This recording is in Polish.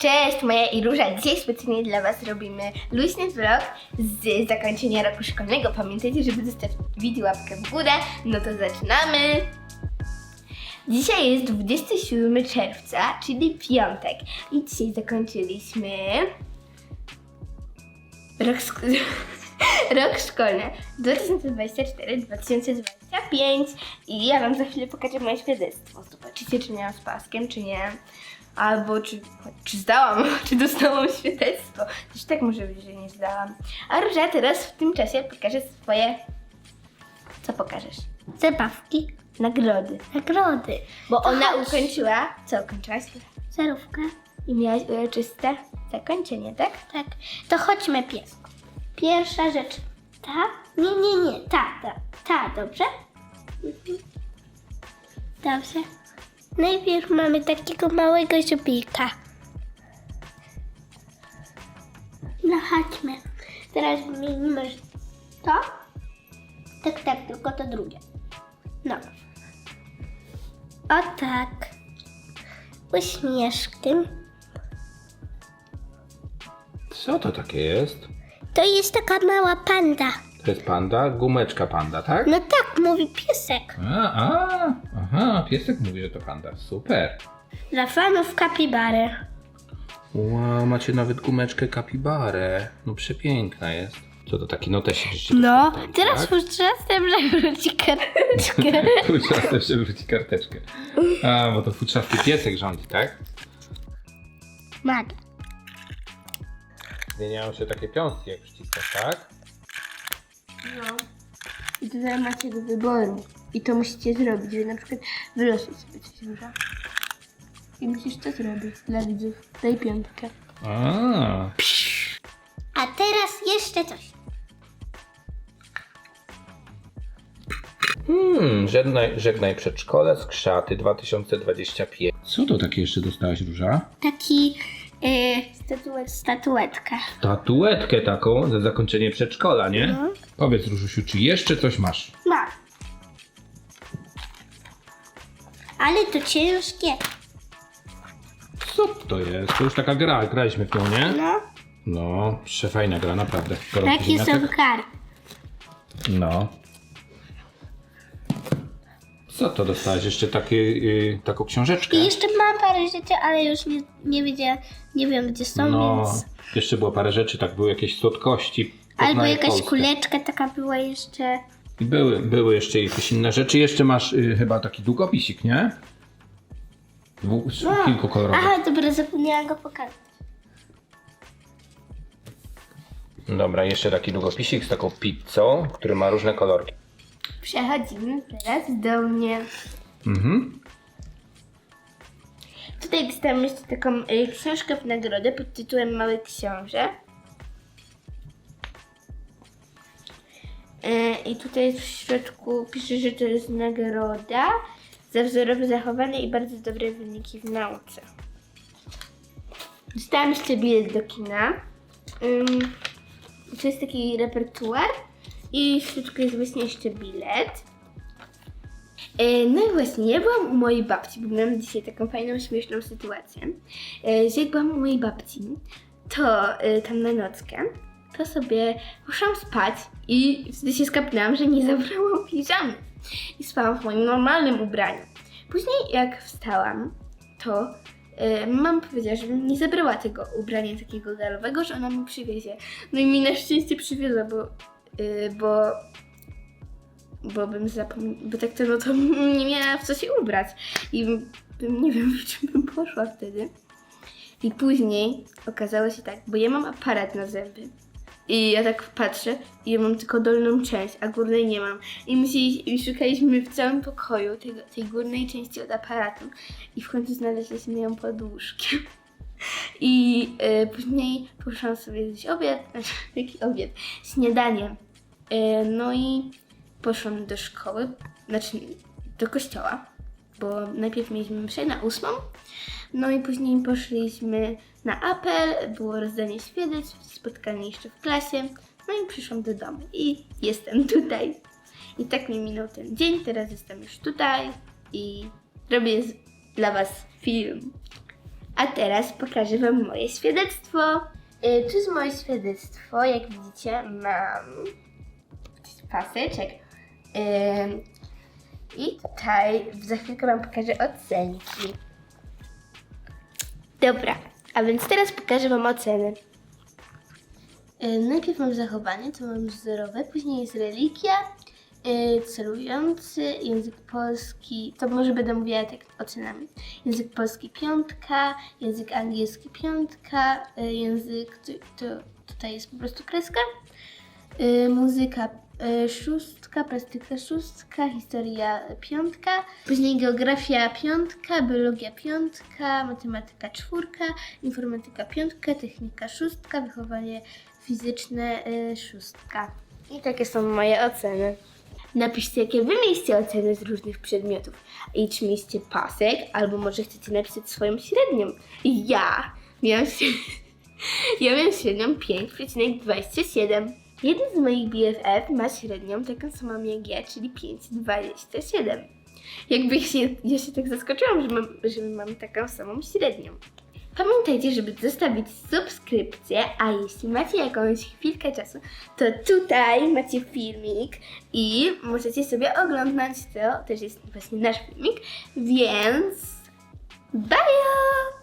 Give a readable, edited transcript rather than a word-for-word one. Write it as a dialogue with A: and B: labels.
A: Cześć, Maja i Róża. Dzisiaj specjalnie dla Was robimy luźny vlog z zakończenia roku szkolnego. Pamiętajcie, żeby zostawić łapkę w górę. No to zaczynamy! Dzisiaj jest 27 czerwca, czyli piątek. I dzisiaj zakończyliśmy rok szkolny 2024-2025. I ja Wam za chwilę pokażę moje świadectwo. Zobaczycie, czy miałam z paskiem, czy nie. Albo czy zdałam, czy dostałam świadectwo. Też tak może być, że nie zdałam. A Róża teraz w tym czasie pokaże swoje... Co pokażesz?
B: Zabawki,
A: Nagrody.
B: nagrody.
A: Bo
B: To
A: ona
B: chodź.
A: ukończyła... Co ukończyłaś?
B: Zarówkę.
A: I miałaś uroczyste zakończenie, tak?
B: Tak. To chodźmy, piesku. Pierwsza rzecz. Ta? Nie. Ta, dobrze? Dobrze. Najpierw mamy takiego małego żubika. No chodźmy. Teraz wymienimy to. Tak, tylko to drugie. No. O tak. Uśmieszkiem.
C: Co to takie jest?
B: To jest taka mała panda.
C: To jest panda? Gumeczka panda, tak?
B: No tak, mówi piesek.
C: Aha, piesek mówi, że to panda. Super.
B: Dla fanów kapibary.
C: Wow, macie nawet gumeczkę kapibarę. No przepiękna jest. Co to taki notesik? żeście
B: No,
C: dostali,
B: teraz
C: tak?
B: futrzastem przewróci karteczkę.
C: Futrzasty przewróci karteczkę. A, bo to futrzasty piesek rządzi, tak?
B: Maga.
C: Zmieniają się takie piąstki, jak przyciskasz, tak?
A: No. I tutaj macie do wyboru. I to musicie zrobić, że na przykład wylosuj sobie coś, Róża. I musisz to zrobić dla widzów. Daj piątkę.
B: A teraz jeszcze coś.
C: Żegnaj przedszkole, skrzaty 2025. Co to takie jeszcze dostałaś, Róża?
B: Taki statuetkę.
C: Statuetkę taką za zakończenie przedszkola, nie?
B: No.
C: Powiedz, Różusiu, czy jeszcze coś masz?
B: Mam. Ale to ciężkie.
C: Co to jest? To już taka gra, graliśmy w nią, nie?
B: No.
C: No, przefajna gra, naprawdę. Gorący
B: Takie są
C: ziemniaczek?
B: karty.
C: No. Co to dostałeś? Jeszcze taką książeczkę?
B: I jeszcze mam parę rzeczy, ale już nie wiem gdzie są,
C: No,
B: więc...
C: jeszcze było parę rzeczy, tak, były jakieś słodkości.
B: Albo
C: Poznaję
B: jakaś
C: Polskę.
B: kuleczka taka była jeszcze.
C: I były jeszcze jakieś inne rzeczy. Jeszcze masz chyba taki długopisik, nie? Kilkukolorowy.
B: Aha, dobra, zapomniałam go pokazać.
C: Dobra, jeszcze taki długopisik z taką pizzą, który ma różne kolorki.
A: Przechodzimy teraz do mnie.
C: Mhm.
A: Tutaj dostałam jeszcze taką książkę w nagrodę pod tytułem Mały Książę. I tutaj w środku pisze, że to jest nagroda za wzorowe zachowanie i bardzo dobre wyniki w nauce. Dostałam jeszcze bilet do kina. To jest taki repertuar i w środku jest właśnie jeszcze bilet. No i właśnie, ja byłam u mojej babci, bo miałam dzisiaj taką fajną, śmieszną sytuację, że jak byłam u mojej babci, to tam na nockę, to sobie poszłam spać i wtedy się skapnęłam, że nie zabrałam piżamy i spałam w moim normalnym ubraniu. Później jak wstałam, to mama powiedziała, żebym nie zabrała tego ubrania takiego galowego, że ona mi przywiezie. No i mi na szczęście przywiozła, bo bym zapomniała, bo tak to no to nie miała w co się ubrać i bym, nie wiem, w czym bym poszła wtedy. I później okazało się tak, bo ja mam aparat na zęby i ja tak patrzę i ja mam tylko dolną część, a górnej nie mam. I szukaliśmy w całym pokoju tej górnej części od aparatu i w końcu znaleźliśmy ją pod łóżkiem. I później poszłam sobie zjeść obiad, znaczy jaki obiad? Śniadanie. No i poszłam do szkoły, znaczy do kościoła, bo najpierw mieliśmy mszę na 8, no i później poszliśmy na apel, było rozdanie świadectw, spotkanie jeszcze w klasie, no i przyszłam do domu i jestem tutaj. I tak mi minął ten dzień, teraz jestem już tutaj i robię dla Was film. A teraz pokażę Wam moje świadectwo. Tu jest moje świadectwo. Jak widzicie, mam paseczek. I tutaj za chwilkę Wam pokażę ocenki. Dobra, a więc teraz pokażę Wam oceny. Najpierw mam zachowanie, to mam zerowe, później jest religia, celujący, język polski, to może będę mówiła tak ocenami. Język polski 5, język angielski 5, język, tutaj jest po prostu kreska, muzyka 6, plastyka 6, historia 5, później geografia 5, biologia 5, matematyka 4, informatyka 5, technika 6, wychowanie fizyczne 6. I takie są moje oceny. Napiszcie, jakie wy mieliście oceny z różnych przedmiotów. I czy mieliście pasek, albo może chcecie napisać swoją średnią. Ja miałam średnią 5,27. Jeden z moich BFF ma średnią taką samą jak ja, czyli 5,27. Ja się tak zaskoczyłam, że mam taką samą średnią. Pamiętajcie, żeby zostawić subskrypcję, a jeśli macie jakąś chwilkę czasu, to tutaj macie filmik i możecie sobie oglądać, to też jest właśnie nasz filmik, więc bye!